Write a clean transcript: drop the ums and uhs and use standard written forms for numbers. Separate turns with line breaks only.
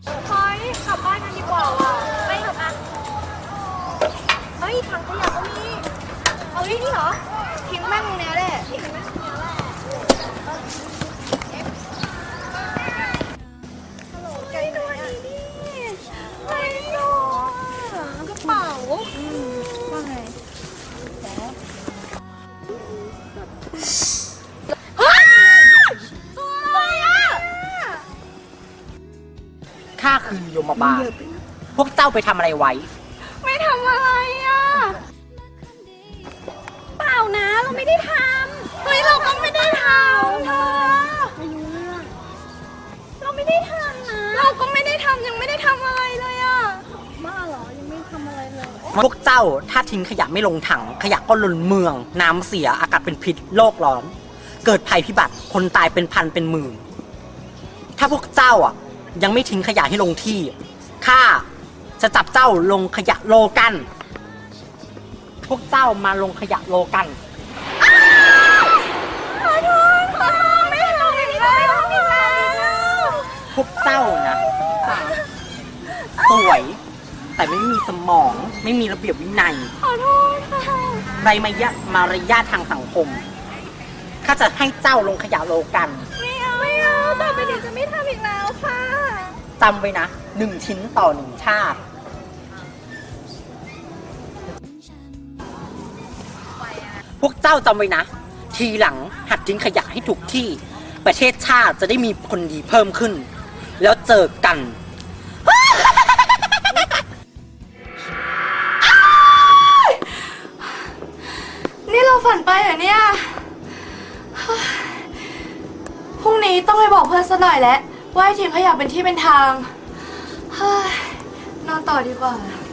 เฮ้ยกลับบ้านกันดีกว่าว่ะไม่หรอกอ่ะเฮ้ยถังขยะก็มีเอาดินี่เหรอทิ้งแม่งตรงเนี้ยแหละทิ้งแม่งตรงเนี้ยแหละฮัลโหลใจหน่อยอ่ะไม่หรอกกระเป๋าว่าไงเฮ้ยตัวอะไรอ่ะ
ข้าคือยมบาลพวกเจ้าไปทำอะไรไว้
ไม่ทำอะไรอ่ะเปล่านะเราไม่ได้ทำเฮ้ยเราก็ไม่ได้ทำเธอไม่รู้เรื่องเราไม่ได้ทำนะเราก็ไม่ได้ทำยังไม่ได้ทำอะไรเลยอ่ะบ้าเหรอยังไม่ทำอะไรเลย
พวกเจ้าถ้าทิ้งขยะไม่ลงถังขยะก็ล้นเมือง น้ำเสียอากาศเป็นพิษโลกร้อน เกิดภัยพิบัติคนตายเป็นพันเป็นหมื่นถ้าพวกเจ้ายังไม่ทิ้งขยะให้ลงที่ข้าจะจับเจ้าลงขยะโลกัน พวกเจ้ามาลงขยะโลกัน
ขอโทษไม่ทำอีกแล้ว
พวกเจ้านะสวยแต่ไม่มีสมองไม่มีระเบียบวินัย
ขอโทษค่ะ
ไรมารยาททางสังคมข้าจะให้เจ้าลงขยะโลกัน
ไม่เอาต่อไปเดี๋ยวจะไม่ทำอีกแล้วค่ะ
จำไว้นะ1 ชิ้นต่อ 1 ชาติพวกเจ้าจำไว้นะทีหลังหัดทิ้งขยะให้ถูกที่ประเทศชาติจะได้มีคนดีเพิ่มขึ้นแล้วเจอกัน
นี่เราฝันไปเหรอเนี่ยพรุ่งนี้ต้องไปบอกเพื่อนซะหน่อยแล้วว่าให้ทิ้งขยะเป็นที่เป็นทางนอนต่อดีกว่า